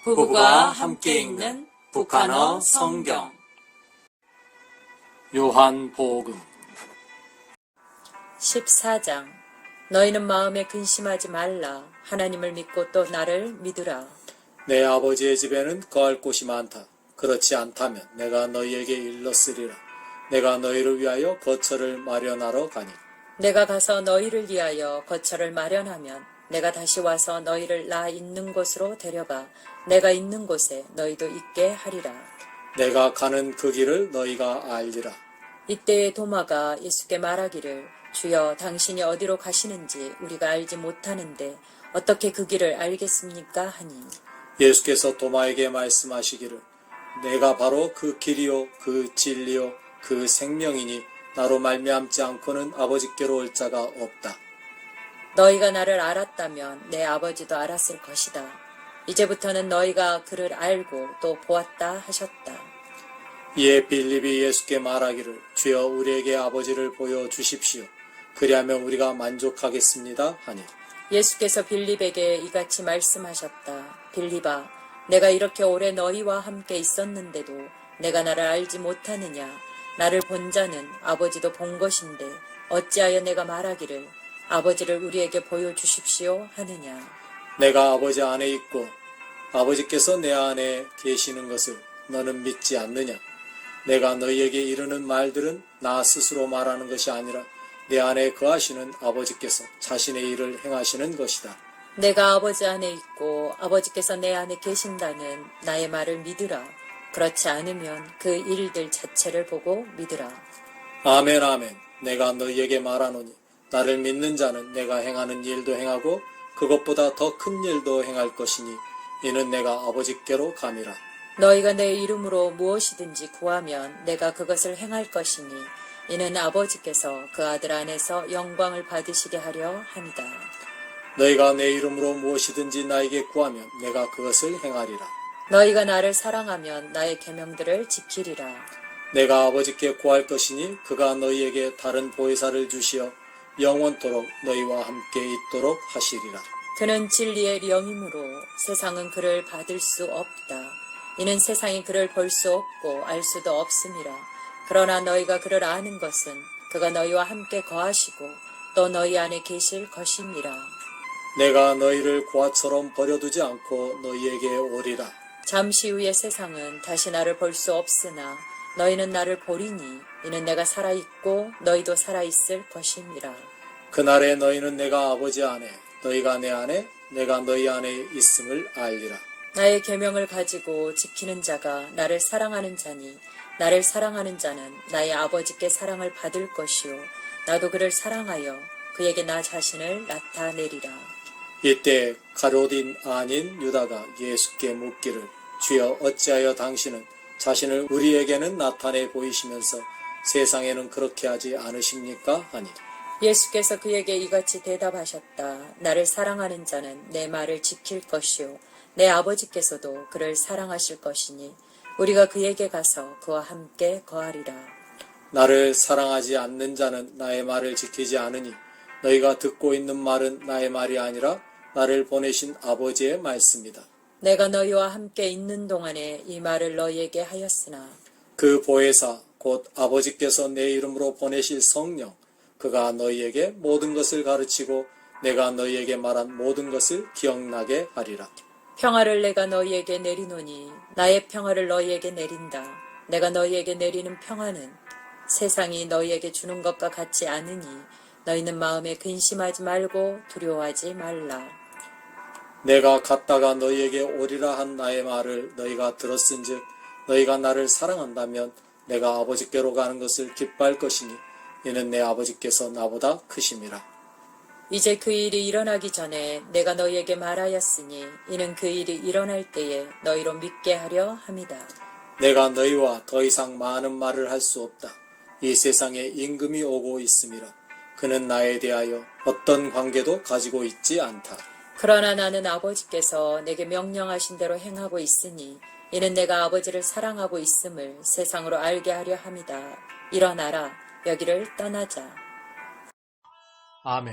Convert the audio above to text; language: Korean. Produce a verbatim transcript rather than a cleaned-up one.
부부가 함께 읽는 북한어 성경. 요한복음 십사 장. 너희는 마음에 근심하지 말라. 하나님을 믿고 또 나를 믿으라. 내 아버지의 집에는 거할 곳이 많다. 그렇지 않다면 내가 너희에게 일렀으리라. 내가 너희를 위하여 거처를 마련하러 가니. 내가 가서 너희를 위하여 거처를 마련하면 내가 다시 와서 너희를 나 있는 곳으로 데려가 내가 있는 곳에 너희도 있게 하리라. 내가 가는 그 길을 너희가 알리라. 이때에 도마가 예수께 말하기를, 주여, 당신이 어디로 가시는지 우리가 알지 못하는데 어떻게 그 길을 알겠습니까? 하니. 예수께서 도마에게 말씀하시기를, 내가 바로 그 길이요 그 진리요 그 생명이니 나로 말미암지 않고는 아버지께로 올 자가 없다. 너희가 나를 알았다면 내 아버지도 알았을 것이다. 이제부터는 너희가 그를 알고 또 보았다 하셨다. 이에 빌립이 예수께 말하기를, 주여 우리에게 아버지를 보여주십시오. 그리하면 우리가 만족하겠습니다 하니. 예수께서 빌립에게 이같이 말씀하셨다. 빌립아, 내가 이렇게 오래 너희와 함께 있었는데도 내가 나를 알지 못하느냐? 나를 본 자는 아버지도 본 것인데 어찌하여 내가 말하기를 아버지를 우리에게 보여주십시오 하느냐? 내가 아버지 안에 있고 아버지께서 내 안에 계시는 것을 너는 믿지 않느냐? 내가 너희에게 이르는 말들은 나 스스로 말하는 것이 아니라 내 안에 거하시는 아버지께서 자신의 일을 행하시는 것이다. 내가 아버지 안에 있고 아버지께서 내 안에 계신다는 나의 말을 믿으라. 그렇지 않으면 그 일들 자체를 보고 믿으라. 아멘 아멘. 내가 너희에게 말하노니 나를 믿는 자는 내가 행하는 일도 행하고 그것보다 더 큰 일도 행할 것이니 이는 내가 아버지께로 감이라. 너희가 내 이름으로 무엇이든지 구하면 내가 그것을 행할 것이니 이는 아버지께서 그 아들 안에서 영광을 받으시게 하려 함이다. 너희가 내 이름으로 무엇이든지 나에게 구하면 내가 그것을 행하리라. 너희가 나를 사랑하면 나의 계명들을 지키리라. 내가 아버지께 구할 것이니 그가 너희에게 다른 보혜사를 주시어 영원토록 너희와 함께 있도록 하시리라. 그는 진리의 영이므로 세상은 그를 받을 수 없다. 이는 세상이 그를 볼 수 없고 알 수도 없음이라. 그러나 너희가 그를 아는 것은 그가 너희와 함께 거하시고 또 너희 안에 계실 것임이라. 내가 너희를 고아처럼 버려두지 않고 너희에게 오리라. 잠시 후에 세상은 다시 나를 볼 수 없으나 너희는 나를 보리니 이는 내가 살아있고 너희도 살아있을 것임이라. 그날에 너희는 내가 아버지 안에 너희가 내 안에 내가 너희 안에 있음을 알리라. 나의 계명을 가지고 지키는 자가 나를 사랑하는 자니 나를 사랑하는 자는 나의 아버지께 사랑을 받을 것이요 나도 그를 사랑하여 그에게 나 자신을 나타내리라. 이때 가룟 아닌 유다가 예수께 묻기를, 주여 어찌하여 당신은 자신을 우리에게는 나타내 보이시면서 세상에는 그렇게 하지 않으십니까? 하니. 예수께서 그에게 이같이 대답하셨다. 나를 사랑하는 자는 내 말을 지킬 것이요 내 아버지께서도 그를 사랑하실 것이니 우리가 그에게 가서 그와 함께 거하리라. 나를 사랑하지 않는 자는 나의 말을 지키지 않으니 너희가 듣고 있는 말은 나의 말이 아니라 나를 보내신 아버지의 말씀이다. 내가 너희와 함께 있는 동안에 이 말을 너희에게 하였으나 그 보혜사 곧 아버지께서 내 이름으로 보내실 성령 그가 너희에게 모든 것을 가르치고 내가 너희에게 말한 모든 것을 기억나게 하리라. 평화를 내가 너희에게 내리노니 나의 평화를 너희에게 내린다. 내가 너희에게 내리는 평화는 세상이 너희에게 주는 것과 같지 않으니 너희는 마음에 근심하지 말고 두려워하지 말라. 내가 갔다가 너희에게 오리라 한 나의 말을 너희가 들었은즉 너희가 나를 사랑한다면 내가 아버지께로 가는 것을 기뻐할 것이니 이는 내 아버지께서 나보다 크심이라. 이제 그 일이 일어나기 전에 내가 너희에게 말하였으니 이는 그 일이 일어날 때에 너희로 믿게 하려 함이다. 내가 너희와 더 이상 많은 말을 할 수 없다. 이 세상에 임금이 오고 있음이라. 그는 나에 대하여 어떤 관계도 가지고 있지 않다. 그러나 나는 아버지께서 내게 명령하신 대로 행하고 있으니 이는 내가 아버지를 사랑하고 있음을 세상으로 알게 하려 함이다. 일어나라, 여기를 떠나자. 아멘.